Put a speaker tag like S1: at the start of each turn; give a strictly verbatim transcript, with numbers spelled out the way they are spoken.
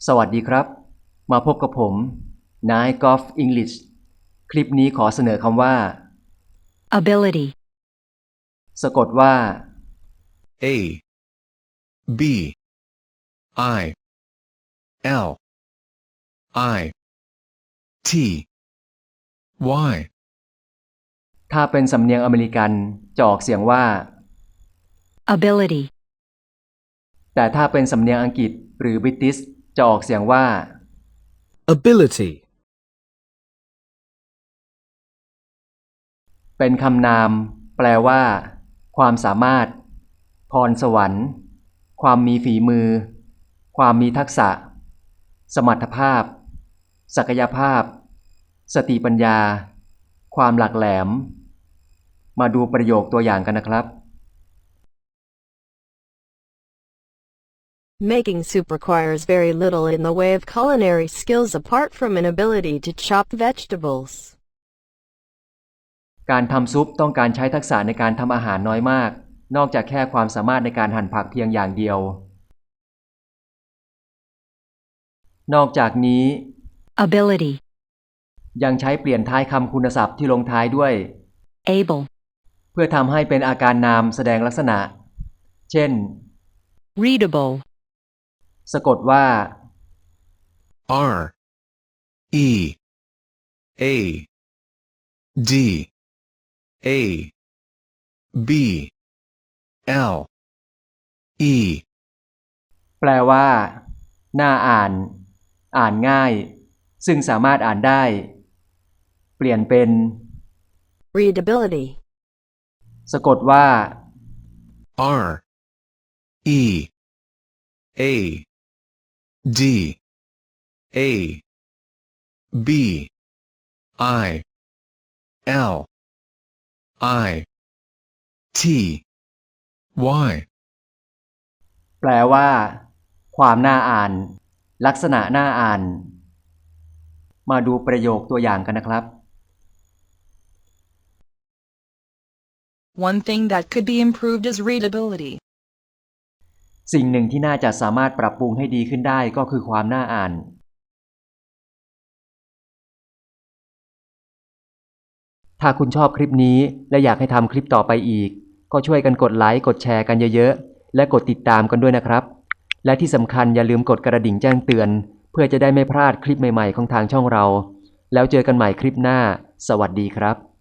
S1: สวัสดีครับมาพบกับผมนายกอล์ฟอังกฤษคลิปนี้ขอเสนอคำว่า
S2: ability,
S1: สะกดว่า
S3: A B I L I T Y
S1: ถ้าเป็นสำเนียงอเมริกันจะออกเสียงว่า
S2: ability,
S1: แต่ถ้าเป็นสำเนียงอังกฤษหรือบริติชจะออกเสียงว่า
S4: ability,
S1: เป็นคำนามแปลว่า ความสามารถ พรสวรรค์ ความมีฝีมือ ความมีทักษะ สมรรถภาพ ศักยภาพ สติปัญญา ความหลักแหลม มาดูประโยคตัวอย่างกันนะครับ
S5: Making soup requires very little in the way of culinary skills apart from an ability to chop vegetables.
S1: การทำซุปต้องการใช้ทักษะในการทำอาหารน้อยมากนอกจากแค่ความสามารถในการหั่นผักเพียงอย่างเดียวนอกจากนี้
S2: ability,
S1: ยังใช้เปลี่ยนท้ายคำคุณศัพท์ที่ลงท้ายด้วย
S2: able,
S1: เพื่อทำให้เป็นอาการนามแสดงลักษณะเช่น
S2: readable,
S1: สะกดว่า
S3: R E A D A B L E
S1: แปลว่าน่าอ่านอ่านง่ายซึ่งสามารถอ่านได้ เปลี่ยนเป็น
S5: Readability.
S1: สะกดว่า
S3: R E A D A B I L I T Y
S1: แปลว่า ความน่าอ่าน ลักษณะน่าอ่าน มาดูประโยคตัวอย่างกันนะครับ
S6: One thing that could be improved is readability.
S1: สิ่งหนึ่งที่น่าจะสามารถปรับปรุงให้ดีขึ้นได้ก็คือความน่าอ่าน ถ้าคุณชอบคลิปนี้และอยากให้ทำคลิปต่อไปอีกก็ช่วยกันกดไลค์กดแชร์กันเยอะๆและกดติดตามกันด้วยนะครับและที่สำคัญอย่าลืมกดกระดิ่งแจ้งเตือนเพื่อจะได้ไม่พลาดคลิปใหม่ๆของทางช่องเราแล้วเจอกันใหม่คลิปหน้าสวัสดีครับ